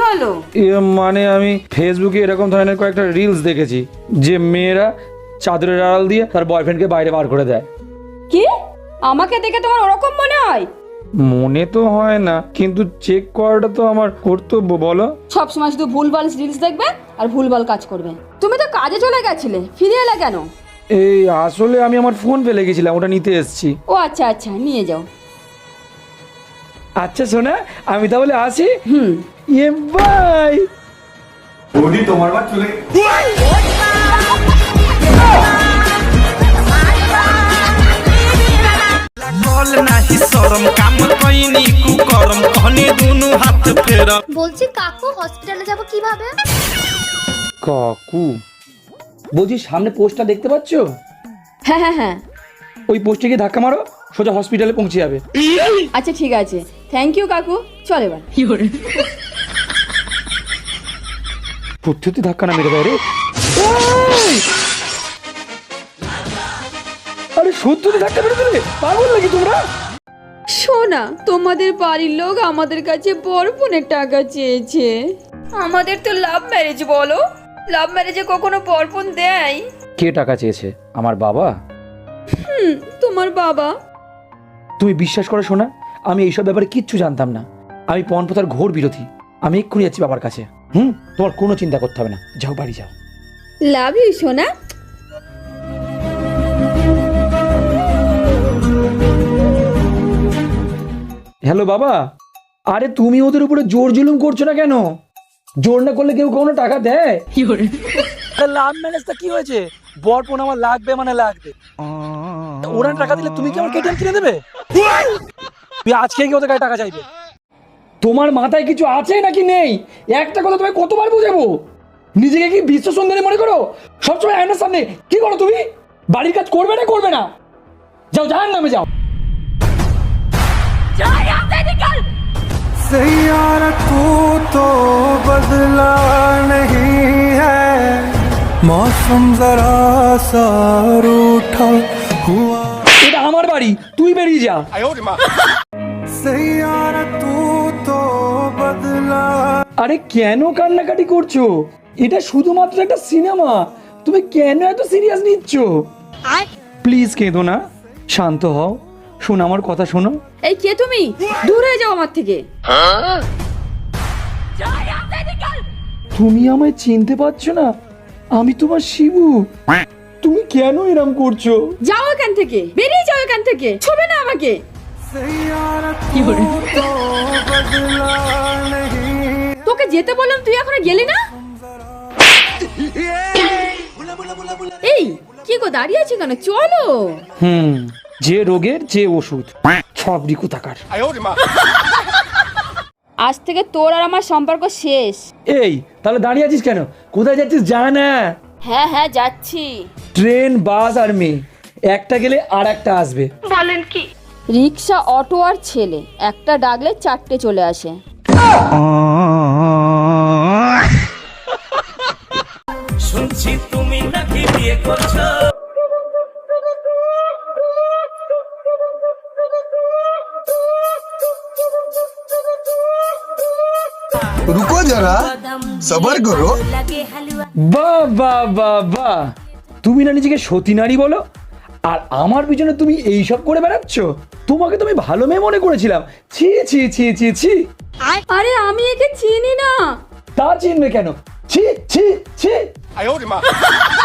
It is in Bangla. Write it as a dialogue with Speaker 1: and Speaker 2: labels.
Speaker 1: হলো?
Speaker 2: মানে আমি ফেসবুকে এরকম ধরনের কয়েকটা রিলস দেখেছি যে মেয়েরা চাদরের আড়াল দিয়ে তার বয়ফ্রেন্ডকে বাইরে বার করে দেয়।
Speaker 1: কি? আমাকে দেখে তোমার ওরকম মনে হয়?
Speaker 2: মনে তো হয় না, কিন্তু চেক করাটা তো আমার কর্তব্য, বলো।
Speaker 1: সবসময় শুধু ভুলভাল রিলস দেখবে আর ভুলভাল কাজ করবে। তুমি তো কাজে চলে গেছিলে, ফিরে এলে কেন?
Speaker 2: এই আসলে আমি আমার ফোন ফেলে গেছিলাম, ওটা নিতে এসেছি।
Speaker 1: ও আচ্ছা আচ্ছা, নিয়ে যাও।
Speaker 2: আচ্ছা শোনা, আমি তাহলে আসি।
Speaker 1: হুম।
Speaker 2: ইয়ে বাই।
Speaker 3: বৌদি তোমার বার চলে
Speaker 4: বলছি কাকু হসপিটালে যাব কিভাবে?
Speaker 2: কাকু বলছি, সামনে পোস্টটা দেখতে পাচ্ছ?
Speaker 1: হ্যাঁ হ্যাঁ হ্যাঁ।
Speaker 2: ওই পোস্টে গিয়ে ধাক্কা মারো, সোজা হসপিটালে পৌঁছে যাবে।
Speaker 1: আচ্ছা ঠিক আছে, থ্যাংক ইউ কাকু। চল এবার।
Speaker 2: সত্যি ধাক্কা না মেরে দেয় রে। আরে সত্যি ধাক্কা মেরে দিলে, পাগল নাকি তোমরা?
Speaker 1: শোনা, তোমাদের বাড়ির লোক আমাদের কাছে বরপণের টাকা চেয়েছে। আমাদের তো লাভ ম্যারেজ, বলো, লাভ ম্যারেজে কখনো বরপণ দেয়?
Speaker 2: কে টাকা চেয়েছে? আমার বাবা।
Speaker 1: তোমার বাবা।
Speaker 2: তুমি বিশ্বাস করো শোনা, আমি এইসব ব্যাপারে কিচ্ছু জানতাম না। আমি পণপ্রথার ঘোর বিরোধী। আমি এক্ষুনি যাচ্ছি বাবার কাছে। তোমার কোনো চিন্তা করতে হবে না, যাও বাড়ি যাও।
Speaker 1: লাভ ইউ সোনা।
Speaker 2: হ্যালো বাবা। আরে তুমি ওদের উপরে জোর জুলুম করছো না কেন? জোর না করলে কেউ কোনো টাকা দেয়? লাভ ম্যারেজটা কি হয়েছে? বরপণ আমার লাগবে মানে লাগবে। ওরা টাকা দিলে তুমি কি আমার কেটিএম কিনে দেবে? তুই আজকে কি ওদের কাছে টাকা চাইবে? তোমার মাথায় কিছু আছে নাকি নেই? একটা কথা তুমি কতবার বুঝাবো? নিজেকে কি বিশ্ব সুন্দরী মনে করো? সবসময় আয়নার সামনে কি করো তুমি? বাড়ির কাজ করবে না করবে না? যাও, জাহান্নামে যাও।
Speaker 5: सैयारा तू तो बदला नहीं है मौसम जरा सा रूठा हुआ
Speaker 2: এটা আমার বাড়ি, তুই বেরিয়ে যা।
Speaker 5: सैयारा तू तो बदला।
Speaker 2: আরে কেন কান্নাকাটি করছো? এটা শুধুমাত্র একটা সিনেমা, তুমি কেন এত সিরিয়াস নিচ্ছ? প্লিজ কেঁদো না, শান্ত হও। শোনো আমার কথা শোনো।
Speaker 1: এই কে তুমি? দূর হয়ে যাও আমার থেকে।
Speaker 2: তুমি আমায় চিনতে পারছো না? আমি তোমার শিবু। তুমি কেন এরম করছো?
Speaker 1: যাও এখান থেকে, বেরিয়ে যাও এখান থেকে, ছবে না আমাকে।
Speaker 5: सैयारा तू तो बदला नहीं।
Speaker 1: তোকে যেতে বললাম, তুই এখনো গেলি না? এই কি গো, দাঁড়িয়ে আছি কেন? চলো।
Speaker 2: যে রোগের যে ওষুধ, সব রিকু থাকার।
Speaker 1: আজ থেকে তোর আর আমার সম্পর্ক শেষ।
Speaker 2: এই তাহলে দাঁড়িয়ে আছিস কেন? কোথায় যাচ্ছিস যা না।
Speaker 1: হ্যাঁ হ্যাঁ যাচ্ছি।
Speaker 2: ট্রেন, বাস আর মেয়ে, একটা গেলে আর একটা আসবে।
Speaker 1: রিক্সা, অটো আর ছেলে, একটা ডাকলে চারটে চলে আসে।
Speaker 6: শুনছি তুমি নাকি বিয়ে করছো।
Speaker 5: रुको जरा सबर करो।
Speaker 2: বাহ বাহ বাহ বাহ, তুমি না নিজেকে সতী নারী বলো, আর আমার পিছনে তুমি এইসব করে বেড়াচ্ছ? তোমাকে তুমি ভালো মেয়ে মনে করেছিলাম। ছি ছি ছি ছি ছি।
Speaker 1: আরে আমি একে চিনি না।
Speaker 2: তা চিনবে কেন? ছি ছি ছি।